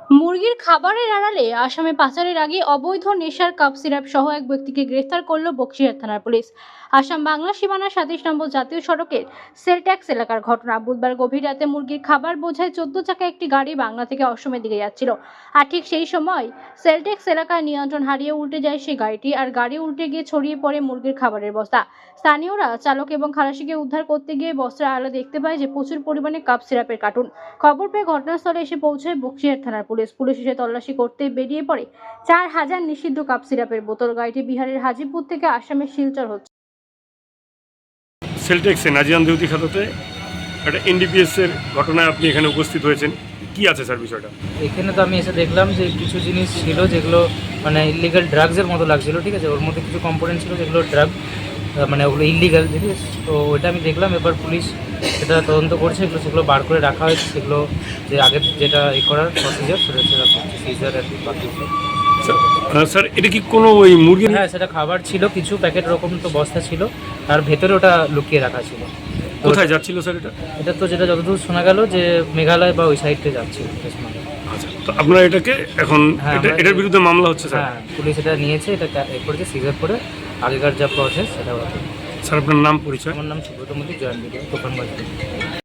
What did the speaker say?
মুরগির খাবারের আড়ালে আসামে পাচারের আগে অবৈধ নেশার কাপ সিরাপ সহ এক ব্যক্তিকে গ্রেফতার করল বক্সিরহাট থানার পুলিশ। আসাম বাংলা সীমানা ২৭ নম্বর জাতীয় সড়কের সেলট্যাক্স এলাকার ঘটনা। বুধবার গভীর রাতে মুরগির খাবার বোঝাই ১৪ চাকা একটি গাড়ি বাংলা থেকে অসমের দিকে যাচ্ছিল। আর ঠিক সেই সময় সেলট্যাক্স এলাকায় নিয়ন্ত্রণ হারিয়ে উল্টে যায় সেই গাড়িটি, আর গাড়ি উল্টে গিয়ে ছড়িয়ে পড়ে মুরগির খাবারের বস্তা। স্থানীয়রা চালক এবং খালাসিকে উদ্ধার করতে গিয়ে বস্তার আড়ালে দেখতে পায় যে প্রচুর পরিমাণে কাপ সিরাপের কার্টুন। খবর পেয়ে ঘটনাস্থলে এসে পৌঁছায় বক্সিরহাট থানার পুলিশ এসে তল্লাশি করতে বেরিয়ে পড়ে ৪,০০০ নিষিদ্ধ কাপ সিরাপের বোতল। গাড়িটি বিহারের হাজিপুর থেকে আসামের শিলচর হচ্ছে। সেলটেক্সে নাজিয়ান দেউতি খাতাতে একটা এনডিপিএস এর ঘটনায় আপনি এখানে উপস্থিত হয়েছেন, কি আছে স্যার বিষয়টা? এখানে তো আমি এসে দেখলাম যে কিছু জিনিস ছিল যেগুলো মানে ইলিগাল ড্রাগসের মতো লাগছিল, ঠিক আছে। ওর মধ্যে কিছু কম্পোনেন্ট ছিল যেগুলো ড্রাগ, মানে ওগুলো ইলিগাল জিনিস। তো ওইটা আমি দেখলাম, এবার পুলিশ সেটা তদন্ত করছে, সেগুলো বার করে রাখা হয়েছে। সেগুলো যে আগের যেটা করার প্রসিজার সেটা করছে, সিজার আর কি বাকি। স্যার এটা কি কোনো ওই মুরগি? হ্যাঁ, সেটা খাবার ছিল, কিছু প্যাকেট রকম তো বস্তা ছিল, তার ভেতরে ওটা লুকিয়ে রাখা ছিল। কোথায় যাচ্ছিল স্যার এটা? এটা তো যেটা যতদূর শোনা গেল যে মেঘালয় বা ওই সাইডে যাচ্ছিল। আচ্ছা, তো আপনারা এটাকে এখন এটার বিরুদ্ধে মামলা হচ্ছে স্যার? হ্যাঁ, পুলিশ এটা নিয়েছে, এটা করেছে, সিজার করে আগেকার যা প্রসেস সেটা হবে। স্যার আপনার নাম পরিচয়? আমার নাম সুব্রত মতি, জয়েন্ট বিডিও, তুফানগঞ্জ।